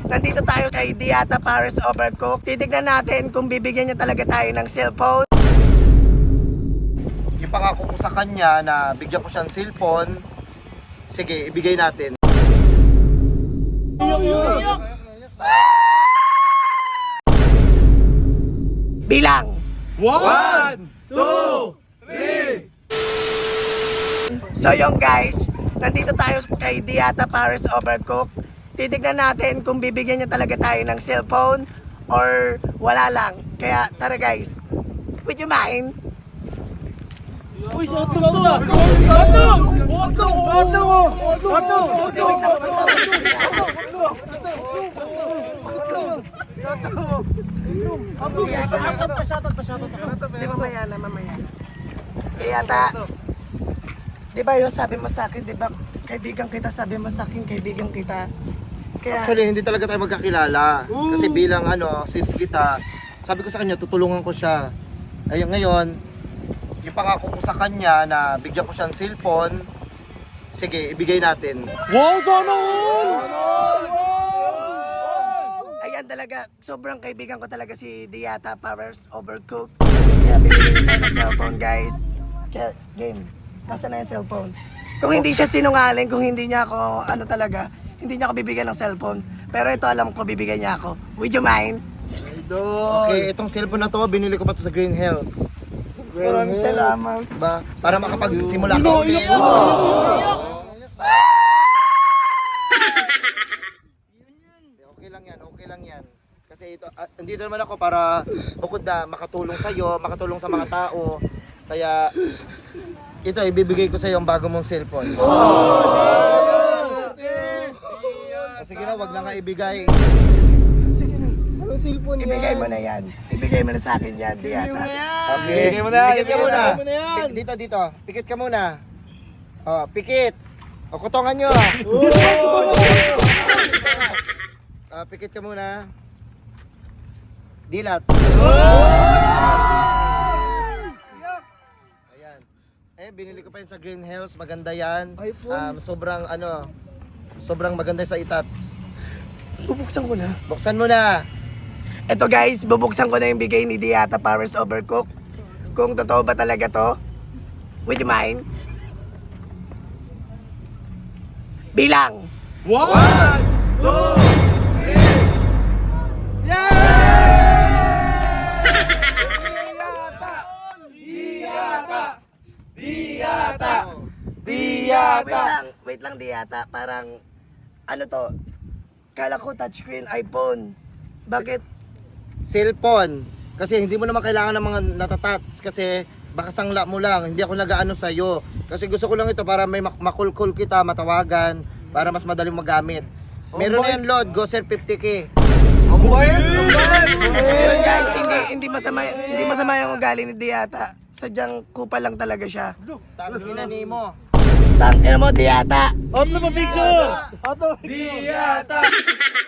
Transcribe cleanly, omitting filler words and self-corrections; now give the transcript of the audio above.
nandito tayo kay Diata Paris Overcook. Titignan natin kung bibigyan niya talaga tayo ng cellphone. Ipangako ko sa kanya na bigyan ko siyang cellphone. Sige, ibigay natin. Bilang 1, 2, 3. So yung guys, nandito tayo kay Diata Paris Overcook. Titignan natin kung bibigyan niya talaga tayo ng cellphone or wala lang. Kaya tara guys, would you mind? Uy, sa ato to ah! Di mamaya na. Diata, di ba yung sabi mo sa akin, di ba kaibigan kita, sabi mo sa akin kaibigan kita. Kaya, Actually, hindi talaga tayo magkakilala. Kasi bilang sis kita, sabi ko sa kanya, tutulungan ko siya. Ayun ngayon, ipangako ko sa kanya na bigyan ko siyang cellphone. Sige, ibigay natin. Wow, sana all! ayan talaga, sobrang kaibigan ko talaga si Diata Paris Overcook. Kaya bibigyan tayo ng cellphone guys. Kaya, game, nasa na yung cellphone? Kung hindi siya sinungaling, kung hindi niya ako, hindi niya ako bibigyan ng cellphone. Pero ito alam ko, bibigyan niya ako. Would you mind? Okay, itong cellphone na to, binili ko pa to sa Green Hills. Maraming salamat. Ba, para makapagsimula ka ulit. Okay lang yan. Kasi ito, andito naman ako para bukod na makatulong sa'yo, makatulong sa mga tao. Kaya, ito, ibibigay ko sa'yo ang bago mong cellphone. Sige na, wag na nga ibigay. Sige na. Anong cellphone Ibigay mo na yan. Ibigay mo na sa akin yan, Diata. Okay. Ibigay mo na, Pikit ka ibigay muna. mo na yan. Dito. Pikit ka muna. Oh, pikit. O, kutongan nyo. Pikit ka muna. Dilat. Ayan. Binili ko pa yun sa Green Hills. Maganda yan. Sobrang maganda sa itats. Bubuksan ko na. Buksan mo na. Ito guys, bubuksan ko na yung bigay ni Diata Paris Overcook. Kung totoo ba talaga to, would you mind? Bilang 1, 2, 3. Wait lang Diata, parang ano to? Kala ko touchscreen iPhone. Bakit? Cellphone. Kasi hindi mo naman kailangan ng mga natatats. Kasi baka sangla mo lang. Hindi ako nag-aano sa'yo. Kasi gusto ko lang ito para may makulkul kita, matawagan. Para mas madaling magamit. Meron na yan load, Goser 50k. Yun guys, hindi masama yung ugali ni Diata. Sadyang kupal lang talaga siya. Tangina ni mo. Tangina mo Diata. Auto pa picture! Auto! Diata!